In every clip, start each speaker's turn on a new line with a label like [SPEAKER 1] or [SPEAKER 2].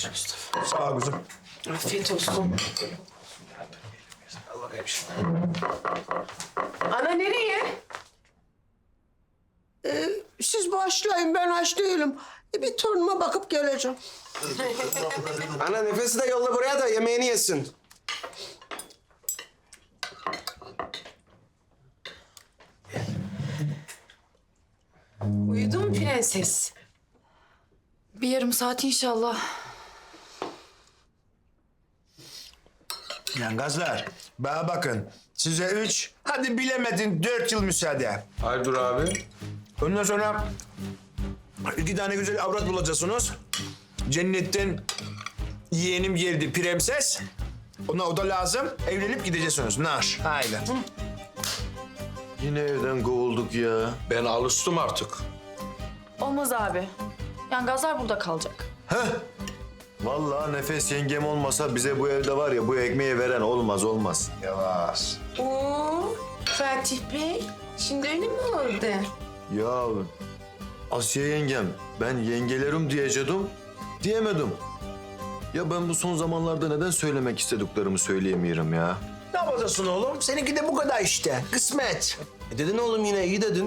[SPEAKER 1] olsun Mustafa.
[SPEAKER 2] Sağ ol kızım.
[SPEAKER 1] Afiyet olsun. Al bakayım şimdi. Ana nereye?
[SPEAKER 3] Siz başlayın, ben aç değilim. Bir torunuma bakıp geleceğim.
[SPEAKER 4] Ana nefesi de yolla buraya da yemeğini yesin.
[SPEAKER 1] Uyudu mu prenses?
[SPEAKER 5] Bir yarım saat inşallah.
[SPEAKER 2] Yani gazlar, bana bakın. Size 3, hadi bilemedin 4 yıl müsaade.
[SPEAKER 4] Hayırdır abi?
[SPEAKER 2] Ondan sonra 2 tane güzel avrat bulacaksınız. Cennetten yeğenim geldi prenses. Ona o da lazım. Evlenip gideceksiniz. Nar. Haydi.
[SPEAKER 6] Yine evden kovulduk ya.
[SPEAKER 4] Ben alıştım artık.
[SPEAKER 5] Olmaz abi. Yani gazlar burada kalacak.
[SPEAKER 6] Vallahi Nefes yengem olmasa bize bu evde var ya bu ekmeği veren olmaz.
[SPEAKER 2] Yavaş.
[SPEAKER 1] Oo, Fatih Bey. Şimdi öyle mi oldu?
[SPEAKER 6] Ya Asiye yengem ben yengelerim diyecektim diyemedim. Ya ben bu son zamanlarda neden söylemek istediklerimi söyleyemiyorum ya.
[SPEAKER 2] Ne yapacaksın oğlum? Seninki de bu kadar işte. Kısmet.
[SPEAKER 4] Dedin oğlum yine iyi dedin.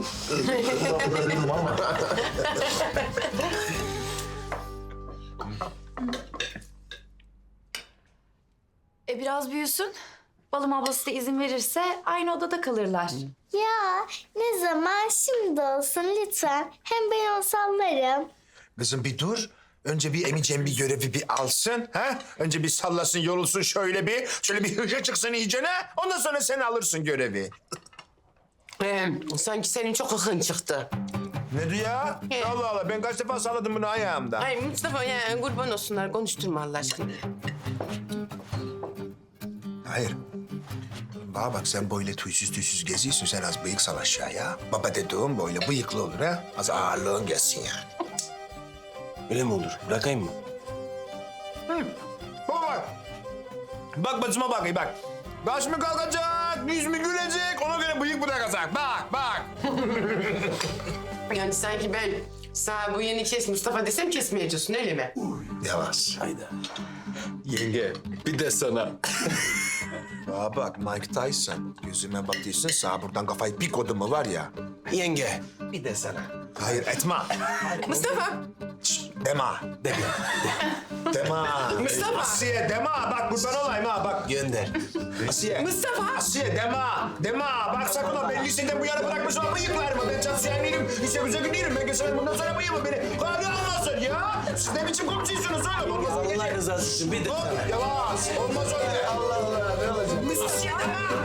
[SPEAKER 5] Biraz büyüsün. Balım ablası da izin verirse aynı odada kalırlar.
[SPEAKER 7] Ya ne zaman şimdi olsun lütfen. Hem ben onu sallarım.
[SPEAKER 2] Kızım bir dur. Önce bir Emice'm bir görevi bir alsın. Ha? Önce bir sallasın, yorulsun şöyle bir hıca çıksın iyicene. Ondan sonra sen alırsın görevi.
[SPEAKER 1] Sanki senin çok hıhın çıktı.
[SPEAKER 2] Ne diyor ya? Allah Allah, ben kaç defa salladım bunu ayağımda.
[SPEAKER 1] Ay Mustafa ya kurban olsunlar konuşturma Allah aşkına.
[SPEAKER 2] Hayır. Bana bak, sen böyle tüysüz geziyorsun, sen az bıyık sal aşağıya. Baba dediğim böyle bıyıklı olur ha. Az ağırlığın gelsin yani.
[SPEAKER 4] Öyle mi olur? Bırakayım mı?
[SPEAKER 2] Baba bak. Bak bacıma bak, iyi bak. Baş mı kalkacak, yüz mü gülecek, ona göre bıyık bırakacak. Bak.
[SPEAKER 1] Yani sanki ben sana bu yeni kes Mustafa desem kesmeyeceksin öyle mi?
[SPEAKER 2] Yavaş.
[SPEAKER 4] Hayda. Yenge bir de sana.
[SPEAKER 2] Bana bak, Mike Tyson. Gözüme bakıyorsun, sağ buradan kafayı bir kodu mu var ya.
[SPEAKER 4] Yenge bir de sana.
[SPEAKER 2] Hayır, etme.
[SPEAKER 1] Mustafa.
[SPEAKER 2] Şşt, deme. Deme.
[SPEAKER 1] Mustafa.
[SPEAKER 2] Asiye deme. Bak kurban olayım ha bak.
[SPEAKER 4] Gönder.
[SPEAKER 2] Asiye.
[SPEAKER 1] Mustafa.
[SPEAKER 2] Asiye deme. Bak sakın ha, ben liseden bu yana bırakmışım ama bıyıklarımı. Ben çalışan değilim. İşe güzel gidiyorum. Ben geçemem bundan sonra bıyığımı beni. Kari almasın ya. Siz ne biçim komşuysunuz oğlum? Olmaz öyle.
[SPEAKER 4] Allah rızası için bir de sana.
[SPEAKER 2] Yavaş. Olmaz öyle.
[SPEAKER 4] Allah Allah ne olacak?
[SPEAKER 2] Asiye deme.